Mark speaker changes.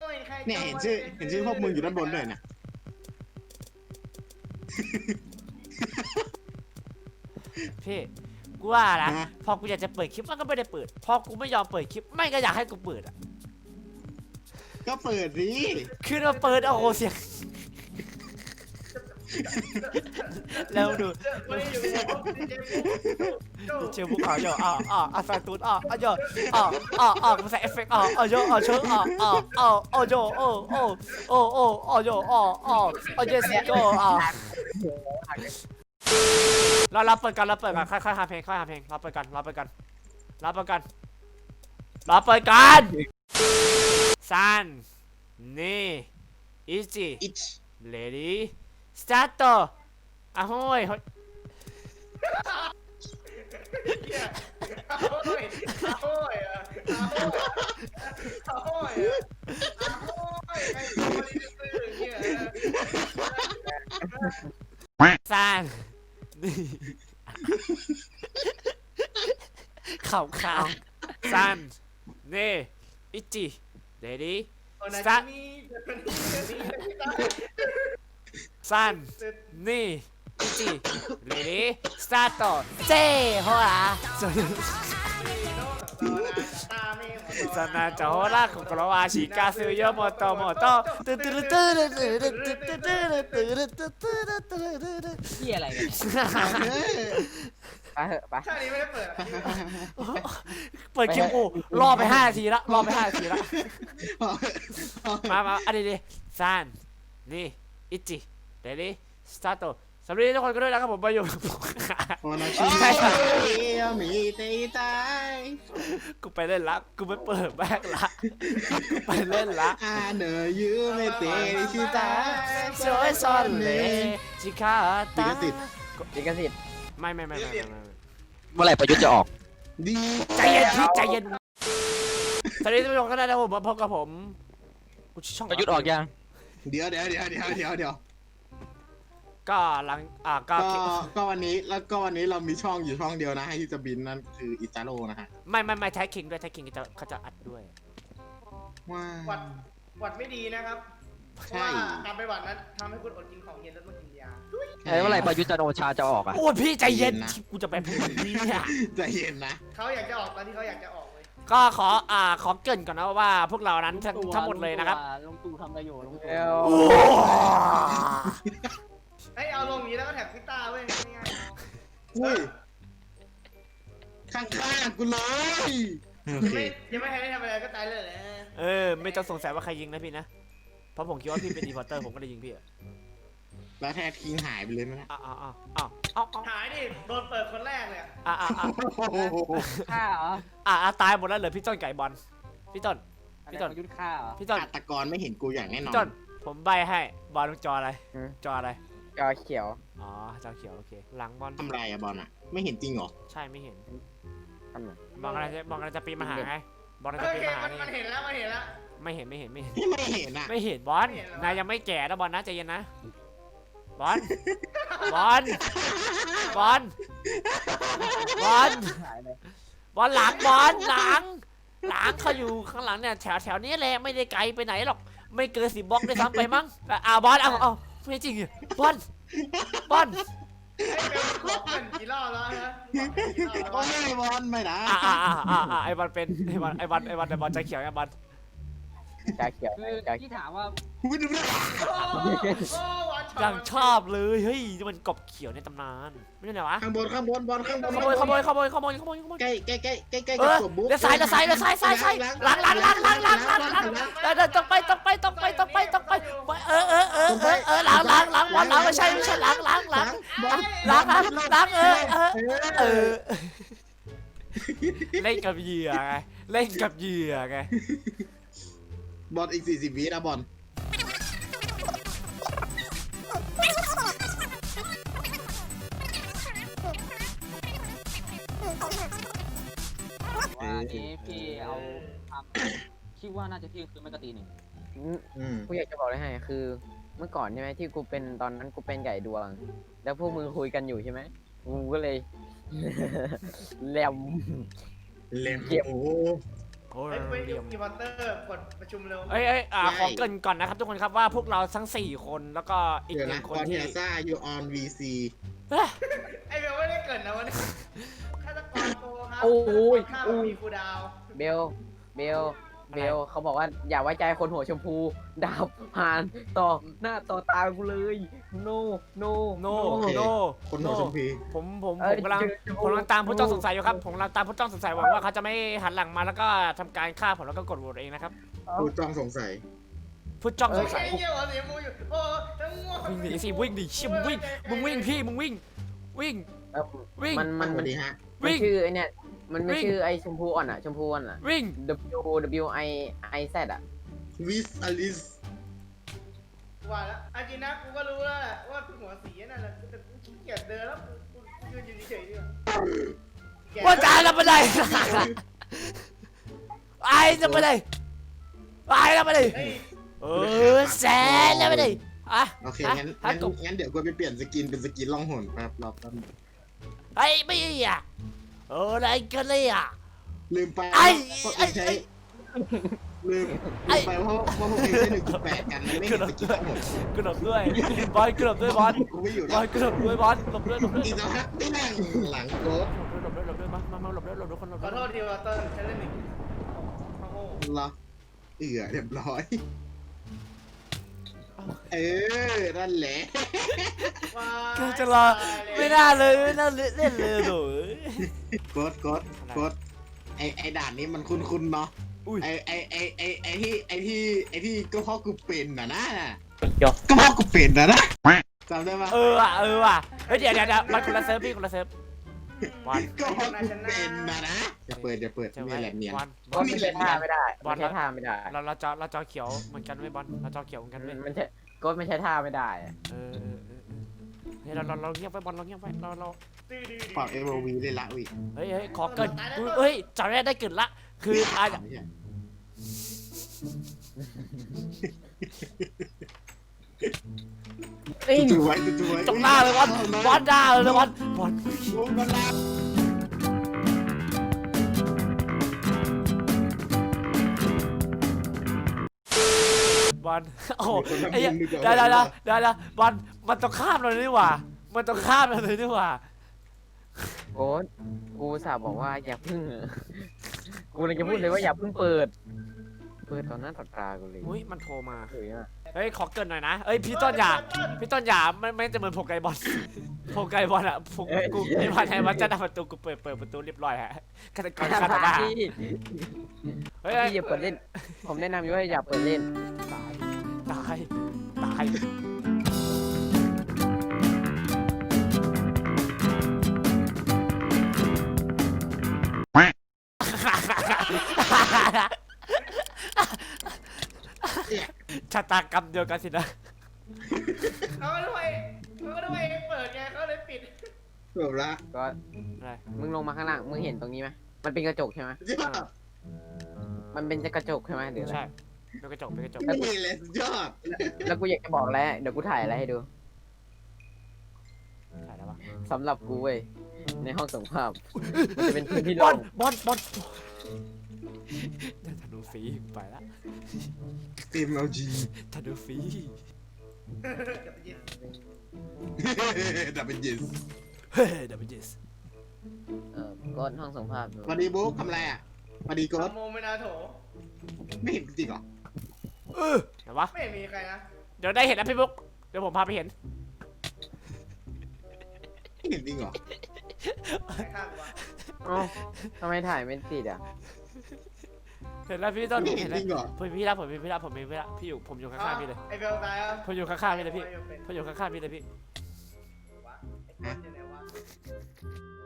Speaker 1: ยใคร
Speaker 2: เนี่ยเห็นชื่อพวกมึงอยู่ด้านบนด้วยนะ
Speaker 3: พี่กูว่านะพอกูอยากจะเปิดคลิปมันก็ไม่ได้เปิดพอกูไม่ยอมเปิดคลิปไม่ก็อยากให้กูเปิดอ่ะ
Speaker 2: ก็เปิดดิ
Speaker 3: คือมาเปิดโอ้โหเสียงแล้วดู
Speaker 1: ไม่ได้อยู่
Speaker 3: เจอภูเขาโยแฟนตูนโยมันใส่เอฟเฟกต์โยเชิงโยโยเยสโยเราเปิดกันค่อยๆหาเพลงเราเปิดกันซันนี่อีจี
Speaker 2: อิช
Speaker 3: เลดี้สตาร์ทอะโห้ย
Speaker 1: โอ้ยโอ้ยไอ้คนนี้ซื้อเนี่ย
Speaker 3: ซันนี่ข่าวซันนี่อิจิเลดี้สตาร์ซันนี่อิจิเลดี้สตาร์ทเจ้โฮล่ะสนาจะโฮล่ะของกราวาชิกาซึโยโมโต
Speaker 4: เหี้ยอะไรกันไปเหอะไป
Speaker 1: ชาตินี้ไม่ได้เปิด
Speaker 3: เปิดคิวรอไป5 นาทีละมาอันนี้ดิซันนี่อิจิเดลี่สตาร์ทสวัสดีทุกคนกันด้วยนะครับผมมาอยู่
Speaker 2: โอนาชิมีเตตาย
Speaker 3: กูไปเล่นละกูไม่เปิดแบกละกูไปเล่นละ
Speaker 2: อาเนยูไม่เตชิตาย
Speaker 3: สวยซอนเลยจิคาตา
Speaker 4: ลิขสิทธิ์
Speaker 3: ไม่
Speaker 5: เมื่อไหร่ประยุทธ์จะออก
Speaker 2: ดี
Speaker 3: ใจเย็นพี่ใจเย็นสวัสดีทุกคนกันด้วยนะครับผมมาพบกับผมช่อง
Speaker 5: ประยุทธ์ออกยัง
Speaker 2: เดี๋ยว
Speaker 3: ก็หลัง
Speaker 2: ก็วันนี้เรามีช่องอยู่ช่องเดียวนะให้ที่จะบินนั่นคืออิตาโร่นะฮะ
Speaker 3: ไม่แท็กคิงด้วยแท็กคิงเขาจะอัดด้วย
Speaker 2: ว้า
Speaker 1: หวัดไม่ดีนะครับเพราะว่าการไปหวัดนั้นทำให้คุณอดกินของเย็นแล้วต้องกินยา
Speaker 5: เมื่อไหร่ประยุทธ์จันทร์โอชาจะออกอ่ะ
Speaker 3: โอ้พี่ใจเย็นกูจะไปพูดนี้เนี่ย
Speaker 2: ใจเย็นนะ
Speaker 1: เขาอยากจะออกตอนที่เขาอยากจะออกเลย
Speaker 3: ก็ขอเกริ่นก่อนนะว่าพวกเรานั้นทั้งหมดเลยนะครับ
Speaker 4: ลุงตู่ทำอะไรอยู่ลุงตู่
Speaker 1: ให้เอาลงนี้แล้วก็แท็กพิต้าเว้ยง่าย
Speaker 2: อุ้ยข้างๆกูเลยโอเค
Speaker 1: ยังไม่ทันได้ทำอะไรก็ตายเลยแหละ
Speaker 3: ไม่ต้องสงสัยว่าใครยิงนะพี่นะเพราะผมคิดว่าพี่เป็นดีพอร์เตอร์ผมก็เลยยิงพี่
Speaker 2: แล้วแท้ทิ้งหายไปเลยไหมนะ
Speaker 1: หายดิโดนเปิดคนแรกเลย
Speaker 4: ฆ่าเหรอ
Speaker 3: ตายหมดแล้วเหลือพี่ต้นไก่บอลพี่ต้น
Speaker 4: ประยุทธ์ฆ่าเหรอ
Speaker 3: พี่ต้น
Speaker 2: ฆาตกรไม่เห็นกูอย่างแน่นอน
Speaker 3: พี่ต้นผมใบให้บอลจออะไรจออะไร
Speaker 4: จอเขียว
Speaker 3: อ๋อจอเขียวโอเคหลังบอล
Speaker 2: ทำไรอะบอลอะไม่เห็นจริงเหรอ
Speaker 3: ใช่ไม่เห็น
Speaker 4: ทำไง
Speaker 3: บอลอะไรจะปีนมาหาไงบอล
Speaker 1: โอ
Speaker 3: จะปีน
Speaker 1: เค
Speaker 3: มาหา
Speaker 1: มันเห็นแล้วไม่เห็นแล้ว
Speaker 3: ไม่เห็น
Speaker 2: ไม่เห็นอะ
Speaker 3: ไม่เห็นบอลนายยังไม่แก่นะบอลนะใจเย็นนะบอลบอลบอลบอล
Speaker 4: หายเลย
Speaker 3: บอลหลังบอลหลังเขาอยู่ข้างหลังเนี่ยแถวนี้แหละไม่ได้ไกลไปไหนหรอกไม่เกิน10 บล็อกได้ซ้ำไปมั้งบอลเอาไม่จริงบอล
Speaker 1: ไอ้เบลบอกมันกี่รอบแล้วฮะ
Speaker 2: ก็ไม่บอลไม่นะ
Speaker 3: ไอบอลเป็นไอบอลใจเขียวไอบอล
Speaker 4: จอเขียว
Speaker 6: คือ
Speaker 4: จอ
Speaker 6: ที่ถามว่า
Speaker 2: ไม่ดูนะ
Speaker 3: ยังชอบเลยเฮ้ยมันกบเขียวในตำนานไม่ใช่ไหนวะ
Speaker 2: ข้างบนบอลข้างบน
Speaker 3: ขโมย
Speaker 2: ใกล้กับศพบุ๊ก
Speaker 3: เดี๋ยวซ้ายหลังต้องไปหลังบอลหลังไม่ใช่หลังเล่นกับเหยื่อไง
Speaker 2: บอลอีก40 วินะบอล
Speaker 6: ว่านี้พี่เอาทำคิดว่าน่าจะเที่ยงคืนไม่ก็ตีหนึ่ง
Speaker 4: กูอยากจะบอกเลยให้คือ เมื่อก่อนใช่ไหมที่กูเป็นตอนนั้นกูเป็นไก่ดวง แล้วพวกมึงคุยกันอยู่ใช่ไหมกูก็เลย แหลม
Speaker 2: เล่มโอ้
Speaker 3: โอ้ย
Speaker 1: เฮ้ยไป
Speaker 3: เหลี่ยม
Speaker 1: อีวอเตอร์กดประชุมเร็ว
Speaker 3: เอ้ยขอเกรินก่อนนะครับทุกคนครับว่าพวกเราทั้ง4คนแล้วก็อีก
Speaker 2: เดี๋ยว
Speaker 3: ห
Speaker 2: นะ
Speaker 3: นึ่งค
Speaker 2: ก
Speaker 3: น
Speaker 2: อนเที
Speaker 3: ที่
Speaker 2: ยซ่าอยู่ออนวีซี
Speaker 3: เอ้ย
Speaker 1: ไอเบลไม่ได้เกิดนะวันนี้ฆาตกรโกครับ
Speaker 4: โอ้ย
Speaker 1: ฆาตกรฆ่าแบบมีคูลดาวน์
Speaker 4: เบลเขาบอกว่าอย่าไว้ใจคนหัวชมพูดาบผ่านต่อหน้าต่อตากูเลย no
Speaker 3: โน
Speaker 2: โอ คนหัวชมพู
Speaker 3: ผมกำลังตามผู้ต้องสงสัยอยู่ครับผมกำลังตามผู้ต้องสงสัยหวังว่าเขาจะไม่หันหลังมาแล้วก็ทำการฆ่าผมแล้วก็กดโหวตเองนะครับ
Speaker 2: ผู้จ้องสงสัย
Speaker 3: ผู้จ้องสงสัย
Speaker 1: ไอ้เหี้ยหัวสีชมพูอยู่โอ้ทั้งง่วง
Speaker 3: วิ่งหนีสิวิ่งดิเชี่ยมึงวิ่งพี่มึงวิ่ง วิ่ง
Speaker 4: มัน
Speaker 2: สวัสดีฮะ
Speaker 3: วิ่ง
Speaker 4: ชื่อไอเนี่ยมันไม่
Speaker 3: วิ่ง
Speaker 4: ชื่อไอชมพูอ่อนอ่ะชมพูอ่อนอ่ะ
Speaker 3: วิ่ง
Speaker 4: W I Z อ่ะ
Speaker 2: วิสอลิส
Speaker 1: ว่าแล้วอาจินะกูก็รู้แล้วแหละว่าหัวสีนั่นแหละแต่กูขี้เกียจเดินแล้วกูยืนอยู่เฉยๆดีกว่า
Speaker 3: ว่าจะทำอะไรไอ้ทำอะไรไอ้ทำอะไร
Speaker 1: เฮ้ย
Speaker 3: แสนทำอะไรอ่ะ
Speaker 2: โอเค
Speaker 3: ฮะ
Speaker 2: งั้น
Speaker 3: ฮะกบ
Speaker 2: เดี๋ยวกูไปเปลี่ยนสกินเป็นสกินล่องหนแป๊บรอบแป๊บ
Speaker 3: ไอ้ไม่อ่ะอะไรกันเลยอ่ะ
Speaker 2: ลืมไป
Speaker 3: ไอ้
Speaker 2: พวก
Speaker 3: ไอ้
Speaker 2: เองใช้ลืมไปเพราะพวกเองใช้1.8กันมันไม่เห็นสกินล่องหน
Speaker 3: กระโดดด้วยบอลกระโดดด้วยบอล
Speaker 2: กูไม่อยู่
Speaker 3: บ
Speaker 2: แล้
Speaker 3: อ
Speaker 2: ว
Speaker 3: ลกระโดดด้วยบอลหลบด้วย
Speaker 2: อีกสักพักไม่นั่งหลังโกด
Speaker 3: หลบด้วยมาหลบด้วยคนหลบ
Speaker 1: ขอโทษทีวอเตอร์ฉันเล่นหนึ่งโอ้โห
Speaker 2: เหรอเรียบร้อย นั่นแหละ
Speaker 1: ว้าย
Speaker 3: จะรอไม่น่าเลยไม่น่าเล่นเลยโถ
Speaker 2: กดไอด่านนี้มันคุ้นๆเนาะ
Speaker 3: อุ้ย
Speaker 2: ไอที่ก็เพราะกูเป็นนะก็เพราะกูเป็นนะจำได้ปะ
Speaker 3: ว่ะเฮ้ยเดี๋ยวมันคนละเซิร์ฟพี่คนละเซิร์ฟบอล
Speaker 2: ก็เพราะกูเป็นนะอย่าเปิดนี่แหละเนียน
Speaker 3: บอล
Speaker 4: ก็ไม่ใช่ท่าไม่ได้
Speaker 3: บอล
Speaker 4: ไม่ใช่ท่าไม่ได้
Speaker 3: เราจอเขียวเหมือนกันเว้ยบอลเราจอเขียวเหมือนกันเว้ย
Speaker 4: มันใช่ก็ไม่ใช่ท่าไม่ได้อะ
Speaker 3: เฮ้ยเราเงียบไว้บอลเราเงียบไว้เรา
Speaker 2: ปรับ MOV ได้ละวิ
Speaker 3: เฮ้ยขอเกินเฮ้ยจอได้เกินละคืออาจ
Speaker 2: จู่ไว้
Speaker 3: จงหน้าเลยบอลหน้าเลยบอล
Speaker 2: มันลา
Speaker 3: บอลโอ้ไอ้เดี๋ยวบอลมันต้องข้ามเราเลยนี่หว่ามันต้องข้ามเราเลยนี่หว่า
Speaker 4: โอ้กูสาบอกว่าอย่าพึ่งกูเลยจะพูดเลยว่าอย่าพึ่งเปิดตอนหน้าต่อตากูเลย
Speaker 3: อุ้ยมันโทรมา
Speaker 4: เฮ้ยอะ
Speaker 3: เฮ้ยขอเกินหน่อยนะเฮ้ยพี่ต้นอย่าไม่จะเหมือนโผไกบอลโผไกบอลอะผมกูไอ้พันไทยวัดจะดับประตูกูเปิดประตูเรียบร้อยฮะฆาตกรฆ่าต่อหน้า
Speaker 4: พี่
Speaker 3: เฮ้ย
Speaker 4: อย่าเปิดเล่น ผมแนะนำอยู่ว่าอย่าเปิดเล่น
Speaker 3: ตายชะตากรรมเดียวกันสินะ
Speaker 1: เขาก็ด้วยเปิดไงเขาเลยปิด
Speaker 2: จบละ
Speaker 4: ก็
Speaker 3: อะไร
Speaker 4: มึงลงมาข้างล่างมึงเห็นตรงนี้ไหมมันเป็นกระจกใช่ไหมมันเป็นกระจกใช่ไหมหรืออะไร
Speaker 3: ใช่เป็นกระจก
Speaker 2: นี่แหละสุดยอด
Speaker 4: แล้วกูอยากจะบอกแล้วเดี๋ยวกูถ่ายอะไรให้ดู
Speaker 3: ถ่ายแล้วปะ
Speaker 4: สำหรับกูเว้ยในห้องส่งภาพมันจะเป็นพื้นที่
Speaker 3: บ
Speaker 4: โล่
Speaker 3: อล
Speaker 4: ง
Speaker 3: ธนูฟรีไปละ
Speaker 2: MLG
Speaker 3: ธนูฟรี
Speaker 2: ดับเบิลยิส
Speaker 3: เฮ้ยดับเบิลเจส
Speaker 4: ก็ห้องส่งภาพดู
Speaker 2: สวัสดีบุ๊กทำอะไรอ่ะสวัสดีโกด
Speaker 1: โมเมนาโถ
Speaker 2: ไม่เห็นจริงเหรอ
Speaker 3: เห็นปะ
Speaker 1: ไม่มีใครนะ
Speaker 3: เดี๋ยวได้เห็นนะพี่บุ๊กเดี๋ยวผมพาไปเห็น
Speaker 2: ไม่เห็นจริงเหรอ
Speaker 1: ใครฆ่ากูวะ
Speaker 4: เอ้าทำไมถ่ายไม่ติดอ่ะ
Speaker 3: เห็นแล้วพี่ต้น
Speaker 2: ไม่
Speaker 3: เห็
Speaker 2: เห็น
Speaker 3: น
Speaker 2: จริงเหรอ
Speaker 3: ผมพี่ละพี่อยู่ผมอยู่ข้างๆพี่เลย
Speaker 1: ไอเบลตายอ่ะ
Speaker 3: ผมอยู่ข้างๆพี่เลยพี่ผมอยู่ข้างๆพี่เลยพี่
Speaker 1: วะไอเบลอยู่ไหนวะ